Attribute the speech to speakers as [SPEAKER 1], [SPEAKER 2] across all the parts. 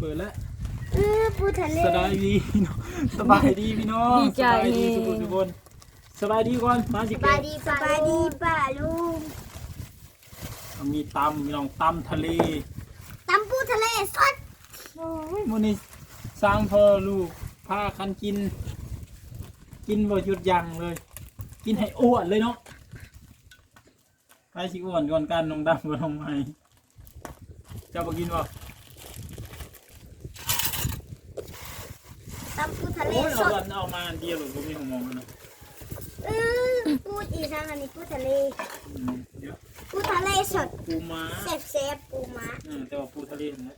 [SPEAKER 1] เปิดแล้ว
[SPEAKER 2] ปูทะเล
[SPEAKER 1] สบายดีพี่น้องสบายดีพี่น้องสบายดีทุกคนสบายดีก่อนมาสิ
[SPEAKER 2] สบายดีป้าลุง
[SPEAKER 1] มีตำพี่น้องตำทะเล
[SPEAKER 2] ตำปูทะเลสด
[SPEAKER 1] มื้อนี้สร้างพ่อลูกพากันกินบ่หยุดยั้งเลย กินให้อ้วนเลยเนาะไปสิอ้วนก่อนกันน้องดำกับน้องไม้เจ้าบ่กินบ่
[SPEAKER 2] ตำปูทะเล
[SPEAKER 1] โอ้ย
[SPEAKER 2] ส
[SPEAKER 1] เอา
[SPEAKER 2] ด
[SPEAKER 1] เอามาเดียวหรือบ่มีหัวมองนะ
[SPEAKER 2] ปูอีทางอันนี้ปูทะเล
[SPEAKER 1] เดี๋ยว
[SPEAKER 2] ปูทะเลสด
[SPEAKER 1] ปูม้า
[SPEAKER 2] เซฟปูม้า
[SPEAKER 1] แต่ว่าปูทะเลนะ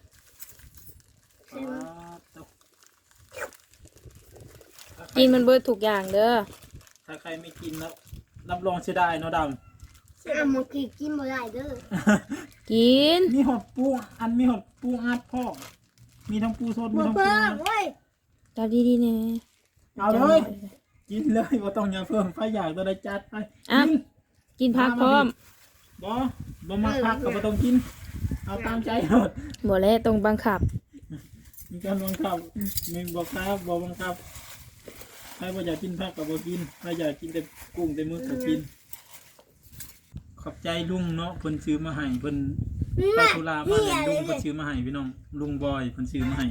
[SPEAKER 3] กินมันเบิดทุกอย่างเด้อ
[SPEAKER 1] ถ้าใครไม่กินแล้วรับรองเสียดายเนาะดำ
[SPEAKER 2] หมดกี่กินบ่ได้เด้อ
[SPEAKER 3] กิน
[SPEAKER 1] มีหอดปูมีหอดปูอัดพ่อมีทั้งปูสดมี
[SPEAKER 2] บ่
[SPEAKER 1] ทั้งปู
[SPEAKER 2] เพิ่มเว้ย
[SPEAKER 3] จับดีๆแน่
[SPEAKER 1] เอาเลยกินเลยว่าต้องอย่าเพิ่มไฟอยากตัวใดจัดไป
[SPEAKER 3] อ่ะกินผักพร้อม
[SPEAKER 1] บ่มาพักก็บ่ต้องกินเอาตามใจหมด
[SPEAKER 3] บ่แล้วต้องบังคับ
[SPEAKER 1] มีการบังคับมีบอกครับบอกบังคับใครบ่อยากกินผักก็บ่กินใครอยากกินแต่กุ้งแต่มึกก็กินขอบใจลุงเนาะเพิ่นซื้อมาให้เพิ่นไปธุระมาเลี้ยงลุงเพิ่นซื้อมาให้พี่น้องลุงบอยเพิ่นซื้อมาให้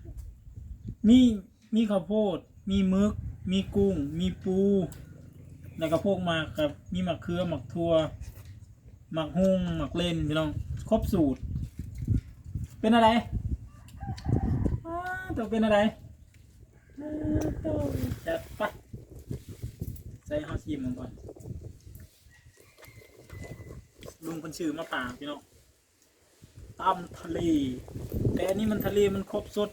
[SPEAKER 1] มีข้าวโพดมีมึกมีกุ้งมีปูแล้วก็พวกหมากกับมีหมักเขือหมักทั่วหมักฮุ้งหมักเล่นพี่น้องครบสูตรเป็นอะไรต้องเป็นอะไรจัดไปใส่ข้าวชิมมันก่อนลุงเพิ่นชื่อมาป่าพี่น้องตำทะเลแต่อันนี้มันทะเลมันครบสด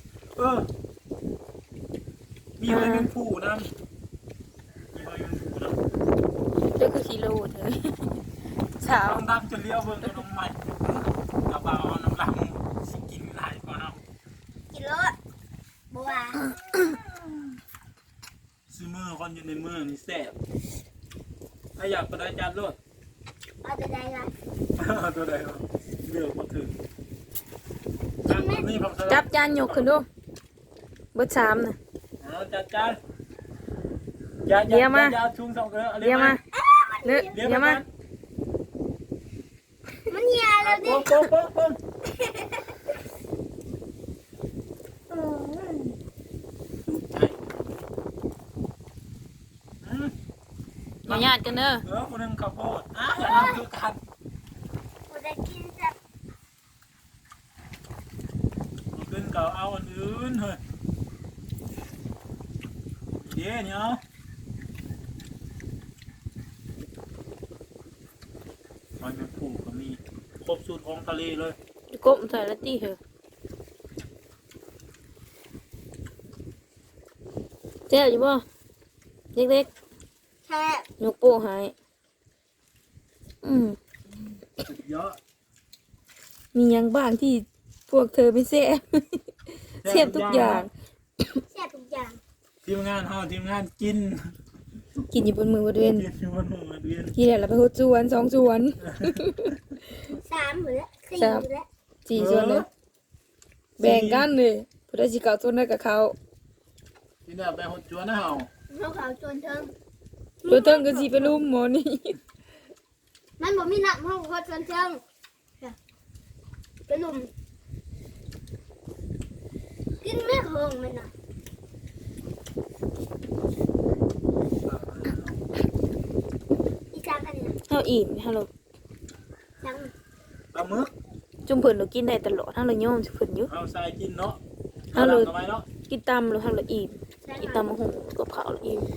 [SPEAKER 1] มีหอยแมงภู่น้ำมีหอยแมงภู่น้ำ
[SPEAKER 3] เจ้าคือกิโลเถอะสาว
[SPEAKER 1] น้ำดำจะเลี้ยวเบิ่งกับน้องใหม่กระเป๋าน้ำดำสิกินหลายกว่าเนาะ
[SPEAKER 2] กินรสบัว
[SPEAKER 1] ซื้อมือคนอยู่ในมือนี่แซ่บถ้าอยากก็ได้จานรถ
[SPEAKER 2] เอาแต่ได้ละ
[SPEAKER 1] ตัวใดวะเลือกมาถึงนี่ผม
[SPEAKER 3] จับจานยกขึ้นดูเบิด3น่ะ
[SPEAKER 1] จัดจานอย่าชุ่มสองเกลือ
[SPEAKER 3] เดี๋ยวมาเดี๋ยวมา
[SPEAKER 2] มันเหี่ยแล้วดิ
[SPEAKER 1] โป๊ะ
[SPEAKER 3] อย่าญาติกันเด้อ
[SPEAKER 1] คนนึงข้าวโพดนั่นคือกัน
[SPEAKER 2] บ่ได้กินจ้ะ
[SPEAKER 1] ขึ้นก็เอาอันอื่นเฮ้ยเดี๋ยวเนี่ยหอยแมงภู่ก็มีครบสูตรของทะเลเลย
[SPEAKER 3] กบใส่ละติเหอะแซ่บอยู่บ่เล็ก
[SPEAKER 2] แค่
[SPEAKER 3] ๆยกโป้ให้
[SPEAKER 1] สุดยอด
[SPEAKER 3] มีหยังบ้างที่พวกเธอไม่แซ่บ แซ่บทุกอย่าง
[SPEAKER 2] แซ่บทุกอย่าง
[SPEAKER 1] ทีมงานทีมงานกิน
[SPEAKER 3] กินอยู่บนมือบนเวียน
[SPEAKER 1] กินอยู่บนหัวเดือน
[SPEAKER 3] กินแล้วเราไปหดสวน2สวน
[SPEAKER 2] 3หรือ4หรือ
[SPEAKER 3] 4สวนเลยแบ่งกันเลยผู้ใดสิเก่าสวนได้กับเขา
[SPEAKER 1] กินแบบไปหดจวนนะเฮา
[SPEAKER 2] เขาเขาจนเทิง
[SPEAKER 3] ตัวเทิงก็สิไปรุมหมอนี่
[SPEAKER 2] มันบ่มีน้ำเขาเขาจนเทิงไปลุมกินไม่เฮิงมันน่ะอีจางอันนี้นะ
[SPEAKER 3] เฮาอิ่มเฮาเรา
[SPEAKER 2] จัง
[SPEAKER 1] ปลาหมึก
[SPEAKER 3] จุ่มเพิ่นเรากินได้ตลอดเฮาเรายอมสิเพิ่นอยู่
[SPEAKER 1] เฮาใส่กินเนาะ
[SPEAKER 3] เอาเลย
[SPEAKER 1] ทำไมเนาะ
[SPEAKER 3] กินตำแล้วเฮาเราอิ่มกินตำมะฮุงกับข้าวเราอิ่ม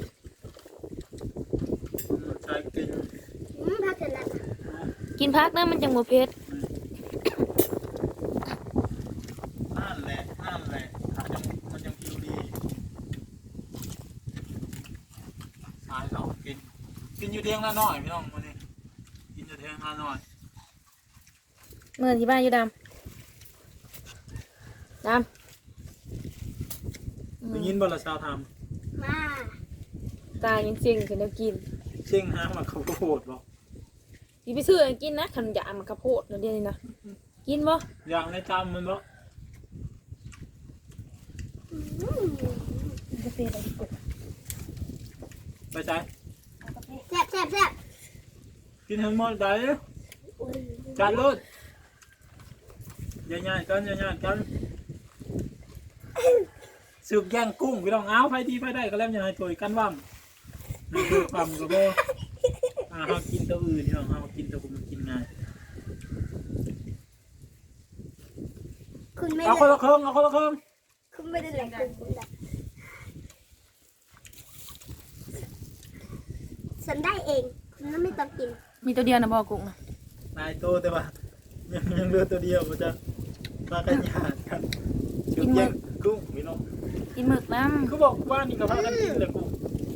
[SPEAKER 1] ใส่กิน
[SPEAKER 2] พักเสร็จแล้ว
[SPEAKER 3] กินผักนะมันจังบ่เผ็ด
[SPEAKER 1] นั่นแหละมันยังผิวดีใส่เรากินอยู่เทียงละหน่อยพี่น้องมื้อนี้กินอยู่เทียงละหน่อย
[SPEAKER 3] เมื่อที่บ้านอยู่ดำ
[SPEAKER 1] ได้ยินบ่ละชาวท
[SPEAKER 2] มา
[SPEAKER 3] ตายังเซ็งขึ้นแล้วกิน
[SPEAKER 1] ำเชียงหามาเขาก็โหดบ่
[SPEAKER 3] สิไปซื้อให้กินนะขนมยามันข้าวโพดนั่นเดียวนี่นะกินบ่
[SPEAKER 1] อย่างในจำมันบ่
[SPEAKER 3] กาแฟอะไรดีกว่า
[SPEAKER 1] ไปใช้
[SPEAKER 2] แซ่บแซ่บแซ่บ
[SPEAKER 1] กินทั้งหมดได้จานรถย่างๆกันย่างๆกันสึกย่างกุ้งพี่น้องเอาไฟดีไฟได้ก็แล้วยังไงถอยกันว่ำนี่คือความกระโบเขากินตัวอื่นพี่น้องเขากินตัวผมกินง่าย
[SPEAKER 2] คุณไม่
[SPEAKER 1] เอา
[SPEAKER 2] ได้
[SPEAKER 1] คนละเครื่องเอาคนละเครื่อง
[SPEAKER 2] คุณไม่ได้แหล่งคุณได้ฉันได้เองคุณไม่ต้องกิน
[SPEAKER 3] มีตัวเดียวนะบอกกุ้งนะ
[SPEAKER 1] นายโตแต่ว่ายังเหลือตัวเดียวมันจะมากันยากกันสึกย่างกุ้งพี่น้อง
[SPEAKER 3] กินหมึกน้
[SPEAKER 1] เขาบอกว่านี่ก็พากันกินแต่กุ้ง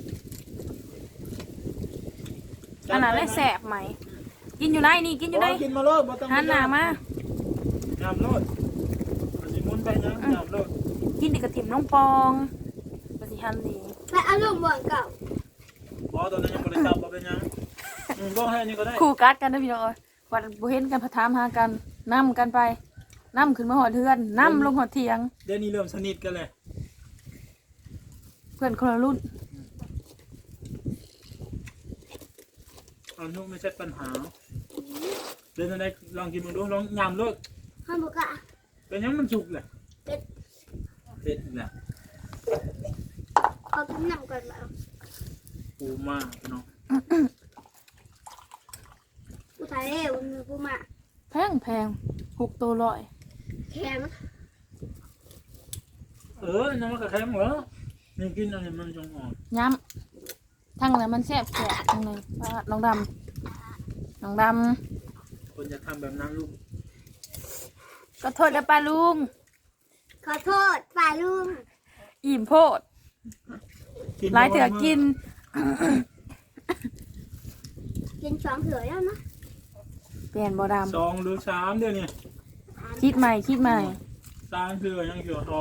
[SPEAKER 3] ำอันนั้นได้แสบไหม กินอยู่ไหนนี่กินอยู่ไหน
[SPEAKER 1] กินมาโลดบ่ต้อง
[SPEAKER 3] หันหน้ามา
[SPEAKER 1] ยำโลดมันสิมุนไปยังยำโลด
[SPEAKER 3] กินดิกระถิ่มน้องปองปฏิหันดี
[SPEAKER 2] ไปเอาลูกบ่อนเก่า
[SPEAKER 1] บ่ตอนนั้นยังบ่ได้จับบ่เป็นยังบ่ให้อันนี้ก็ได้
[SPEAKER 3] คู่กัดกันนะพี่น้องเอ้ยวัดบ่เห็นกันพะถามหากันนํกันไปนํขึ้นมาหอดเทือนนํลงหอดเถียง
[SPEAKER 1] เดี๋ยวนี้เริ่มสนิทกันเลย
[SPEAKER 3] เพื่อนคนละรุ่น
[SPEAKER 1] อันนู้นไม่ใช่ปัญหาเดี๋ยวได้ลองกินมึงดูลองยำโลด
[SPEAKER 2] ห้ามบุกะ
[SPEAKER 1] เป็นยังมันสุกเลย
[SPEAKER 2] เป็ด
[SPEAKER 1] เผ็ดแหละ
[SPEAKER 2] เขากินน้ำก่อนมา
[SPEAKER 1] ปูมาพี่น้อง
[SPEAKER 2] ผู้ชายเร็วผู้มา
[SPEAKER 3] แพง6ตัวร้อย
[SPEAKER 2] แข็ง
[SPEAKER 1] น้ำมันกระแทกเหรอนี่กินอันนี้มันจงอ่อน
[SPEAKER 3] ย้ำทั้งนั้นมันแซ่บทั้งนั้นว่าน้องดำ
[SPEAKER 1] คนจะทำแบบนั้นลูก
[SPEAKER 3] ก็โทษแล้วป้าลุง
[SPEAKER 2] ขอโทษฝ่าลุง
[SPEAKER 3] อิ่มโพดหลายเถื่อกิน
[SPEAKER 2] กินสองเถื่อแล้วนะ
[SPEAKER 3] เปลี่ยนบ่ด
[SPEAKER 1] 2 หรือ 3เดี๋ยวนี้
[SPEAKER 3] ำคิดใหม่
[SPEAKER 1] 3เถื่อยังเถื่อทอง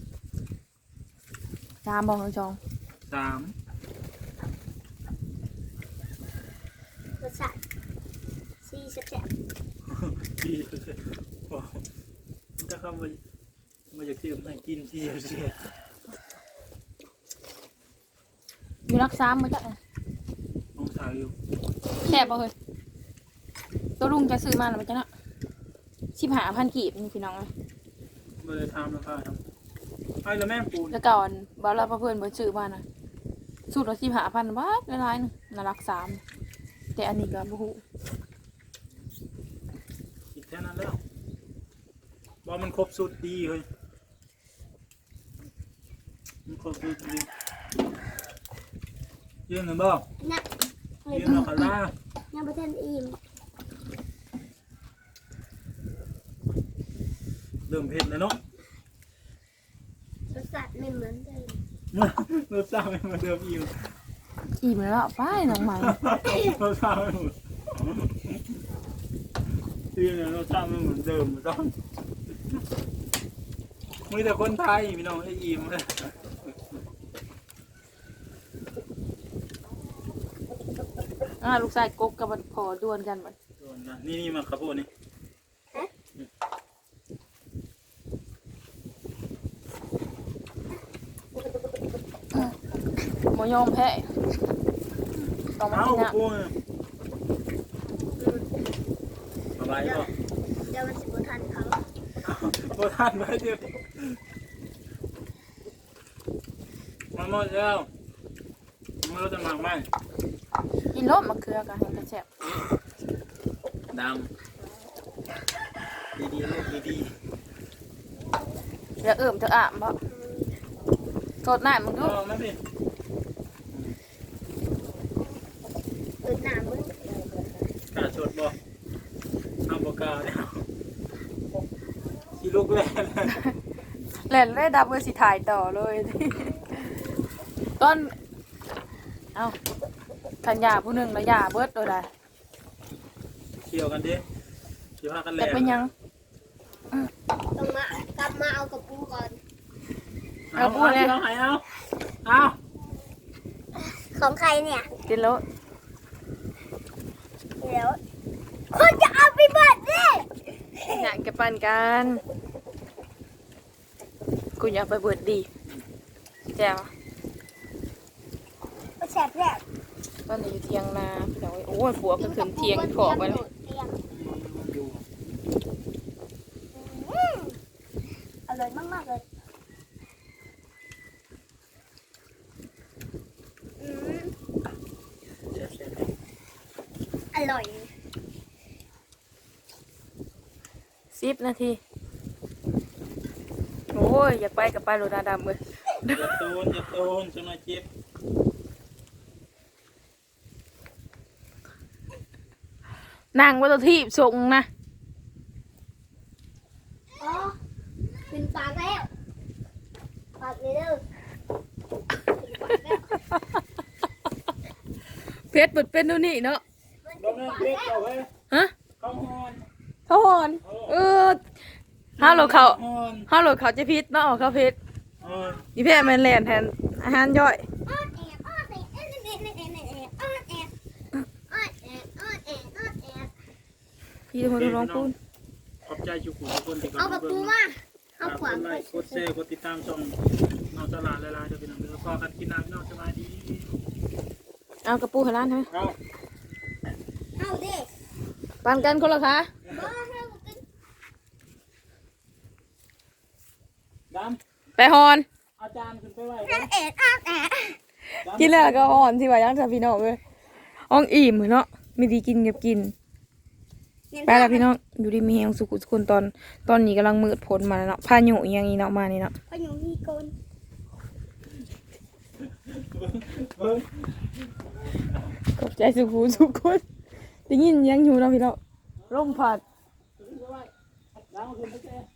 [SPEAKER 3] 3บอกน้องจอง
[SPEAKER 1] 3
[SPEAKER 2] รสชาติซีแซ่บ
[SPEAKER 1] ที่ถ้าเขามาจากที่ให้กินที่เสีย
[SPEAKER 3] อยู่รัก3มันจะ
[SPEAKER 1] น้องสาวอยู่
[SPEAKER 3] แซ่บบ่เฮ้ยตัวลุงจะซื้อมาหรือมันจะเนาะ15,000กีบนี่พี่น้องเลย
[SPEAKER 1] ไม่ได้ทำแล้วค่ะไอ้แล้วแม่ปูน
[SPEAKER 3] แล้วก่อนบ่าวเราเพื่อนบ่ซื้อมานะสูตรละ15,000บาทหลายๆนึงน่ารัก3แต่อันนี้ก็บ่ฮู้
[SPEAKER 1] คิดแค่นั้นแล้วว่ามันครบสุดดีเลยมันครบสุดดียืนหรือเปล่า
[SPEAKER 2] ๆนัก
[SPEAKER 1] ยืนหรือคาร่า
[SPEAKER 2] ยังประเทศอิ่ม
[SPEAKER 1] เริ่มเผ็ดแล้วเนาะ
[SPEAKER 2] รสชาติไม่เหมือนเดิม
[SPEAKER 1] รสชาติไม่เหมือนเดิมอีก
[SPEAKER 3] อิ่มแล้วไปน้องใหม่
[SPEAKER 1] รสชาติไม่เหมือนที่เนี่ยรสชาติไม่เหมือนเดิมต้องมีแต่คนไทยพี่น้องไอ้อิ่มเลย
[SPEAKER 3] ลูกชายกกกับมันพอดวนกันมัน
[SPEAKER 1] นี่มาครับพวกนี้
[SPEAKER 3] หมยอมแพ้ต้องมา
[SPEAKER 1] เอา
[SPEAKER 3] กินนะ
[SPEAKER 1] พวกสบายก็
[SPEAKER 2] เดี๋ยวมันสิบทันเขา
[SPEAKER 1] พวกท่านไว้เดี๋ยวมาหมดแล้วไม่รู้จะหมักไหม
[SPEAKER 3] กินรสมะเขือกันให้กระแซ่บ
[SPEAKER 1] ดำดีๆลูกดี
[SPEAKER 3] เดี๋ยวเอิ่มเธออ่ะบ่โทษหน้ามึง
[SPEAKER 1] ๆ
[SPEAKER 3] ดู
[SPEAKER 1] เอามาสิ
[SPEAKER 2] ตื่นหนามึง
[SPEAKER 1] กาชดบ่เอาบ่กาแล้วขี่ลูกแล่น
[SPEAKER 3] เล่นเลยดับเบอร์สิถ่ายต่อเลย ต้นเอาขันยาผู้หนึ่งแล้วยาเบิดตัวใด
[SPEAKER 1] เขี่ยวกันดิเขี่ยวพากันแล่
[SPEAKER 3] แต่
[SPEAKER 1] น
[SPEAKER 3] เป็นยัง
[SPEAKER 2] ต้องมากลับมาเอากับปูก่อน
[SPEAKER 1] เอาเอา
[SPEAKER 2] ของใครเนี่ย
[SPEAKER 3] กินแล้ว
[SPEAKER 2] เดี๋ยวคนจะเอาไปเบิดดิ
[SPEAKER 3] อยากจะปั่นกันกูอยากไปเบิดดีแจ๋ว
[SPEAKER 2] ก็แซ่บแซ่บ
[SPEAKER 3] ตอนนี้อยู่เทียงนาพี่น้องโอ้ยผัวก็ขึ้นเทียงขอบไปเลย
[SPEAKER 1] อยู่
[SPEAKER 2] อร่อยมากๆเลยอร่อย
[SPEAKER 3] 10 นาทีโอ้ยอยากไปกับไปโรนาดำเลย
[SPEAKER 1] อย่าโตนจังหน่อยเจ็บ
[SPEAKER 3] นั่งว่าตัวที่ส่งนะ
[SPEAKER 2] อ๋อเป็นปากแล้วปากเลยเด้อเป็นปากแล้ว
[SPEAKER 3] เพชรเปิดเป็นดูนี่เนาะ
[SPEAKER 1] บ่แม่นเด็กเอาเว้ย
[SPEAKER 3] ฮะ
[SPEAKER 1] เข้าฮอน
[SPEAKER 3] เขาหอนห้าโหลเขา
[SPEAKER 1] ฮอน
[SPEAKER 3] ห้าโหลเขาจะพิษเนาะเขาเพชร
[SPEAKER 1] เ
[SPEAKER 3] อีแพรแมนแลนแทนอาหารย่อย
[SPEAKER 2] อ้อนแอบอ้อนแอบอ้อนแอบอ้อนแอบอ้อนแอบอ้อนแอบอ้อนแอบ
[SPEAKER 3] พี่ทุกคนร้องพูด
[SPEAKER 1] ขอบใจทุกคนที่
[SPEAKER 2] เอาแบบปูมาเอาขวาน
[SPEAKER 1] กดไลค์กดแชร์กดติดตามช่องน้องตลาดหลายๆเด้อพี่น้องเด้อพอกันกินน้ำพี่น้องสบายดี
[SPEAKER 3] เอากระปูให้ร้านใช่ไหม
[SPEAKER 1] เอา
[SPEAKER 2] เอาดิ
[SPEAKER 3] ปันกันคนละคะ
[SPEAKER 2] บ้าให้กูกิน
[SPEAKER 1] ด
[SPEAKER 3] ไปหอน
[SPEAKER 1] ำอาจารย์ขึ้นไปไหว
[SPEAKER 2] อ้อนแอบอ้อนแอบ
[SPEAKER 3] กินแล้วก็หอนที่ว่ายังจะพี่น้องเลยอ่องอิ่มเหมือนเนาะไม่ดีกินกับกินไปแล้วพี่น้องอยู่ดีมีแหงสุขุสุคนตอนนี้กำลังมืดผลมาแล้วเนาะพายุอหย่างนี้เนาะมานี่เนาะ
[SPEAKER 2] พยุงมีโกน
[SPEAKER 1] เบิ้ง
[SPEAKER 3] ขอบใจสุขุสุคนได้ยินยังอยู่เนาะพี่น้องร่มผัด
[SPEAKER 1] ขึ้นไปไหวดำขึ้นไปแชร์